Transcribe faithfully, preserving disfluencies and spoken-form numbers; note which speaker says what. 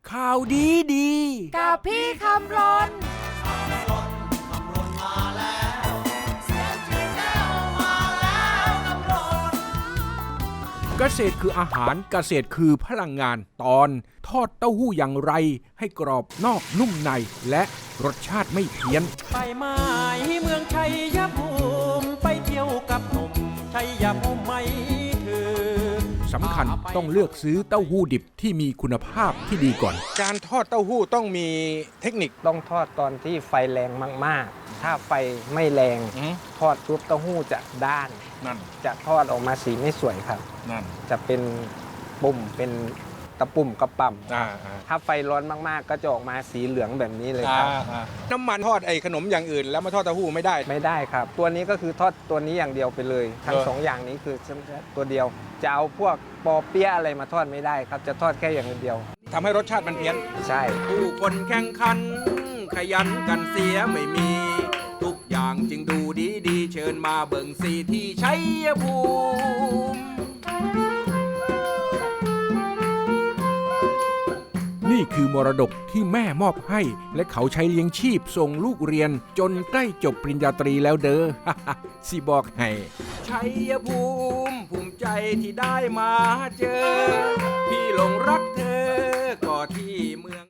Speaker 1: ข่าวดีดี
Speaker 2: กับพี่คำรน
Speaker 1: เกษตรคืออาหารเกษตรคือพลังงานตอนทอดเต้าหู้อย่างไรให้กรอบนอกนุ่มในและรสชาติไม่เพี้ยน
Speaker 3: ไปหมายเมืองชัยภูมิไปเที่ยวกับหนุ่มชัยภูมิไม่ถือ
Speaker 1: สำคัญต้องเลือกซื้อเต้าหู้ดิบที่มีคุณภาพที่ดีก่อนการทอดเต้าหู้ต้องมีเทคนิค
Speaker 4: ต้องทอดตอนที่ไฟแรงมากๆถ้าไฟไม่แรงทอดปุ๊บเต้าหู้จะด้าน
Speaker 1: นั่น
Speaker 4: จะทอดออกมาสีไม่สวยครับ
Speaker 1: นั่น
Speaker 4: จะเป็นปุ่มเป็นตะปุ่มกระป่ำถ้าไฟร้อนมากๆก็จะออกมาสีเหลืองแบบนี้เลยครับ
Speaker 1: น้ำมันทอดไอ้ขนมอย่างอื่นแล้วมาทอดเต้าหู้ไม่ได้
Speaker 4: ไม่ได้ครับตัวนี้ก็คือทอดตัวนี้อย่างเดียวไปเลยทั้งสองอย่างนี้คือตัวเดียวจะเอาพวกปอเปี๊ยะอะไรมาทอดไม่ได้ครับจะทอดแค่อย่างเดียว
Speaker 1: ทำให้รสชาติมันเพี้ยน
Speaker 4: ใช่
Speaker 1: ผู้คนแข่งขันขยันกันเสียไม่มีทุกอย่างจึงดูดีดีเชิญมาเบิ่งสีที่ชัยภูมินี่คือมรดกที่แม่มอบให้และเขาใช้เลี้ยงชีพส่งลูกเรียนจนใกล้จบปริญญาตรีแล้วเด้อ สิบอกให้ชัยภูมิภูมิใจที่ได้มาเจอพี่หลงรักเธอก็ที่เมือง